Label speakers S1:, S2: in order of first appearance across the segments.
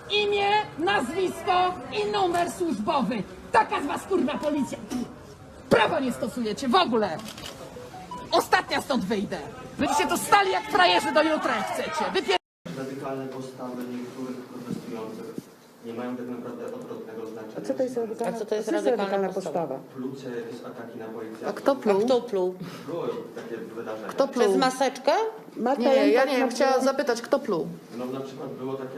S1: Imię, nazwisko i numer służbowy. Taka z was kurwa policja. Prawa nie stosujecie w ogóle. Ostatnia stąd wyjdę. Będziecie tu stali jak frajerzy do jutra jak chcecie.
S2: Radykalne postawy niektórych protestujących nie mają tak naprawdę odwrotnego znaczenia.
S3: A co to jest radykalna,
S4: co to jest radykalna postawa?
S2: Plucie, jakieś ataki na policjantów.
S3: A kto pluł?
S4: Kto pluł?
S2: Były takie wydarzenia.
S3: Kto pluł?
S4: Przez maseczkę?
S3: Marta
S5: Nie, ja
S3: Lempart
S5: nie wiem,
S3: ma-
S5: chciałam zapytać, kto pluł.
S2: No na przykład było takie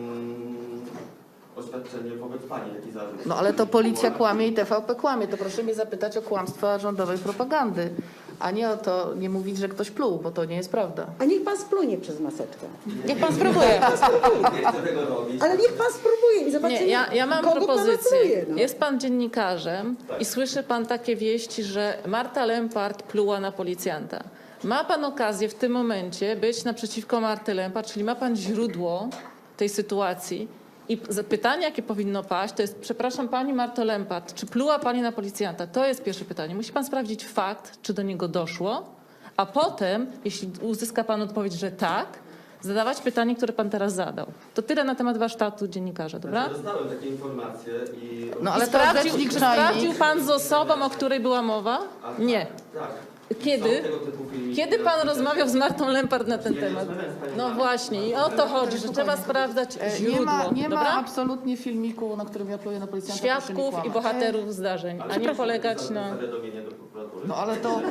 S2: oświadczenie wobec pani, jaki zarzut.
S5: No ale to policja kłamie i TVP kłamie. To proszę mnie zapytać o kłamstwa rządowej propagandy, a nie o to, nie mówić, że ktoś pluł, bo to nie jest prawda.
S3: A niech pan splunie przez maseczkę.
S4: Niech pan spróbuje.
S2: Nie chcę tego robić.
S3: Ale niech pan spróbuje i zobaczymy,
S6: Nie, ja mam
S3: kogo pan
S6: propozycję.
S3: apluje, no.
S6: Jest pan dziennikarzem i słyszy pan takie wieści, że Marta Lempart pluła na policjanta. Ma pan okazję w tym momencie być naprzeciwko Marty Lempart, czyli ma pan źródło tej sytuacji. I pytanie, jakie powinno paść, to jest, przepraszam pani Marto Lempart, czy pluła pani na policjanta? To jest pierwsze pytanie. Musi pan sprawdzić fakt, czy do niego doszło, a potem, jeśli uzyska pan odpowiedź, że tak, zadawać pytanie, które pan teraz zadał. To tyle na temat warsztatu dziennikarza, dobra?
S2: Dostałem takie informacje i...
S5: No
S6: I
S5: ale to rzecznik
S6: czy
S5: Czajnik.
S6: sprawdził pan z osobą, o której była mowa? Nie.
S2: Tak.
S6: Kiedy?
S2: Są tego typu filmiki.
S6: Kiedy pan rozmawiał z Martą Lempart na ten
S2: Ja nie
S6: temat?
S2: rozmawiałem z panią
S6: No
S2: Martą.
S6: właśnie i o to chodzi, że trzeba sprawdzać źródło,
S5: Nie ma
S6: dobra?
S5: absolutnie filmiku, na którym ja pluję na policjanta. proszę nie
S6: Świadków i
S5: kłamać.
S6: bohaterów zdarzeń, a nie polegać na...
S2: Zawiadomienie do prokuratury.
S5: No ale to...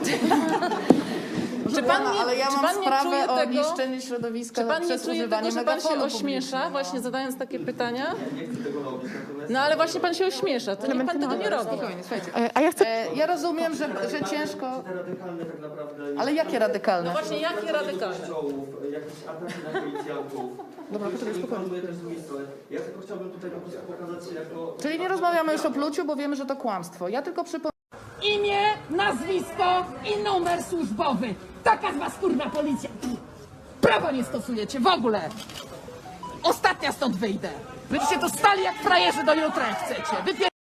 S6: Czy pan nie,
S5: ale ja
S6: czy
S5: mam
S6: pan nie
S5: sprawę
S6: czuje
S5: o
S6: tego,
S5: niszczeniu środowiska
S6: czy pan nie
S5: przez
S6: czuje
S5: używanie
S6: tego, że pan się
S5: megafonu
S6: ośmiesza,
S5: publicznego?
S6: właśnie zadając takie pytania?
S2: Nie chcę tego robić, natomiast...
S6: No ale właśnie pan się ośmiesza, to niech pan tego nie robi.
S5: Spokojnie, słuchajcie. Ja rozumiem, że ciężko...
S2: Te radykalne tak naprawdę...
S5: Ale jakie radykalne?
S6: No właśnie, jakie radykalne?
S2: Kościołów, jakieś ataki na policjantów.
S5: Dobra, poczekaj, spokojnie.
S2: Informuję też z drugiej strony. Ja tylko chciałbym tutaj po prostu pokazać się jako...
S5: Czyli nie rozmawiamy już o pluciu, bo wiemy, że to kłamstwo. Ja tylko przypomnę...
S1: Imię, nazwisko i numer służbowy. Taka z was kurwa policja. Prawa nie stosujecie w ogóle. Ostatnia stąd wyjdę. Będziecie tu stali jak frajerzy do jutra jak chcecie.